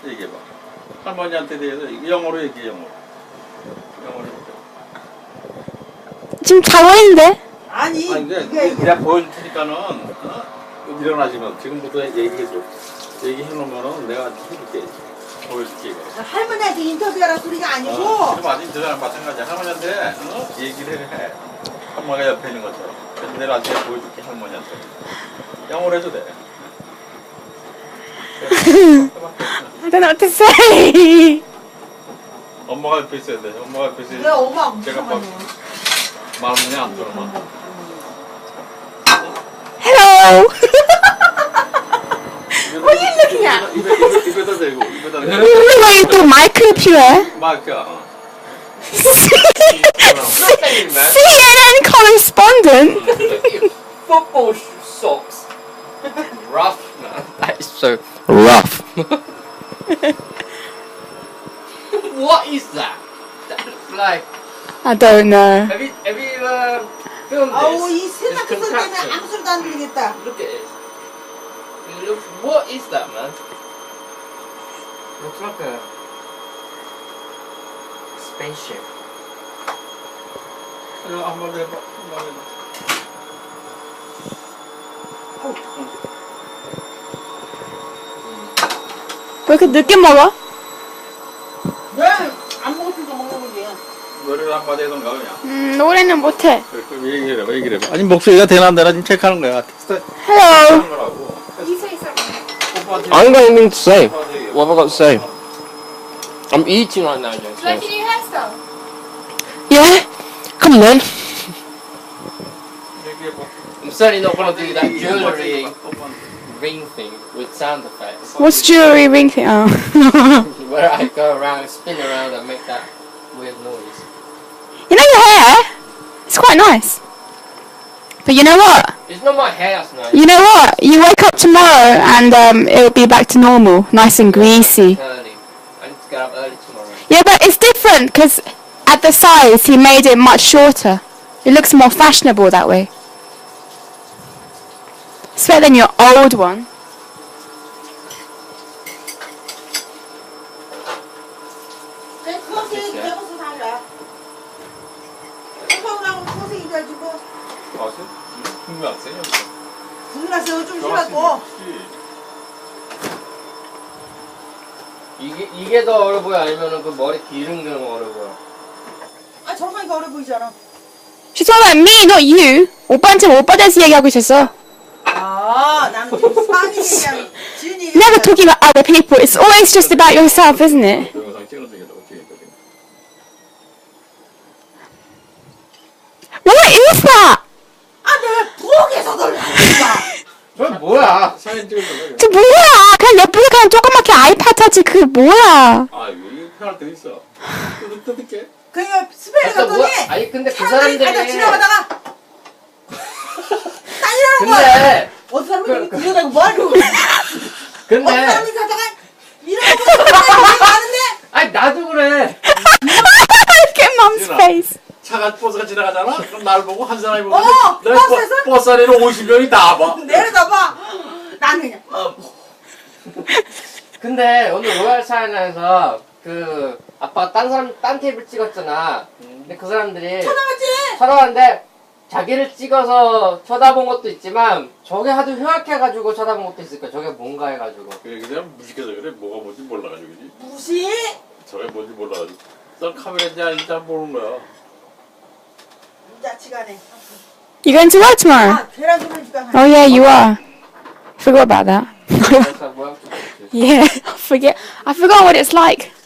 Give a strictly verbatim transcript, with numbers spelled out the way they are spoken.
얘기해봐. 할머니한테 대해서 영어로 얘기해, 영어로. 영어로 얘기해. 지금 자고 있는데? 아니, 아니 이게 내가 보여줄 테니까는, 어? 일어나시면 지금부터 얘기해줘. 얘기해놓으면은 내가 해줄게. 보여줄게, 이거. 할머니한테 인터뷰하라 소리가 아니고. 어, 지금 아직 저랑 마찬가지야. 할머니한테, 어? 얘기를 해. 할머니가 옆에 있는 것처럼. 그래서 내가 나중에 보여줄게, 할머니한테. 영어로 해도 돼. I don't know what to say. 엄마가 옆에 있어야 돼. 엄마가 옆에 있어야 돼. 그래, 엄마 제가 막 마음이 안 들어만. Hello. What are you looking at? 입에, 입에, 입에다 대고, 입에다 대고. 왜 또 마이크를 필요해? 마이크야. 씨엔엔 correspondent. Football socks. Rough, man. That is so rough. What is that? That looks like. I don't know. Have you have you uh, filmed 아우, 이 this? 세상 This 그 소리 때문에 contraption. 아무 소리도 안 들리겠다. Look at it. It looks. What is that, man? Looks like a spaceship. 한번 해봐. 한번 해봐. 왜 이렇게 늦게 먹어? 왜? 안 먹었으니까 먹는 거지. 노래를 한마디 해던가 그냥. 음, 노래는 못해. 그래, 그럼 얘기를 해봐, 얘기를 해봐. 아니, 목소리가 되나 안 되나 지금 체크하는 거야. 텍스트 Hello. 하는 거라고. 오빠한테 I ain't got anything to say. 오빠한테 얘기해. What have I got to say? I'm eating right now, James. Like your new hairstyle. Yeah? Come on. 얘기해봐. I'm certainly not gonna do that jewellery 오빠한테. ring thing with sound effects. What's jewelry ring thing? Oh. Where I go around, spin around and make that weird noise. You know your hair? It's quite nice. But you know what? It's not my hair, that's nice. You know what? You wake up tomorrow and um, it'll be back to normal, nice and greasy. Early. I need to get up early tomorrow. Yeah, but it's different because at the size he made it much shorter. It looks more fashionable that way. It's better than your old one. 내 코세 대고서 달라. 서울하고 코세 입어가지고 아세? 중국 학생이야. 불나서 좀 심하고. 이게 이게 더 어려 보여 아니면은 그 머리 기른 게 어려 보여? 아 저러니까 어려 보이잖아. She's talking about me, not you. 오빠한테 오빠 대해서 얘기하고 있었어. 아 나는 지금 상이 얘기하는 지은이. Never talking about other people. It's always just about yourself, isn't it? 동영상 찍어서 얘기하다 어떻게 했거든. What is that? 아 내가 부엌에서 놀랐다. 저 뭐야? 사진 찍어서 저 뭐야? 그냥 옆에서 그냥 조그맣게 아이팟 하지 그 뭐야? 아 여기 편할 때 있어. 뜯 뜯을게. 그러니까 스페인 아, 또 갔더니 뭐야? 아니 근데 그 사람들이 사람들이 가다 지나가다가 다니라는 거야. 근데 어떤 사람이 그- 들여다고 뭐 하는 거야. 어떤 근데 사람이 가다가 이러고 사람이 가는데 아니 나도 그래. Look at mom's 지은아. face. 차가 버스가 지나가잖아. 그럼 날 보고 한 사람이 보고 어, 내 버스에서? 버- 버스 안에는 오십 명이 다 봐. 내려다봐. 나는 그냥 근데 오늘 로얄 차이나에서 그 아빠가 딴 사람 딴 테이블 찍었잖아. 근데 그 사람들이 쳐다봤지. 쳐다봤는데 자기를 찍어서 쳐다본 것도 있지만 저게 하도 흉악해가지고 쳐다본 것도 있을 거야. 저게 뭔가 해가지고. 그래 그냥 무식해서 그래. 뭐가 뭔지 몰라가지고 그지. 무시. 저게 뭔지 몰라가지고. 넌 카메라인지 아닌지 잘 모르는 거야. 야치가네. You going to work tomorrow? 아 계란 소금 집에 Oh yeah, you are. Forgot about that. 그래서 뭐야? Yeah, I forget. I forgot what it's like.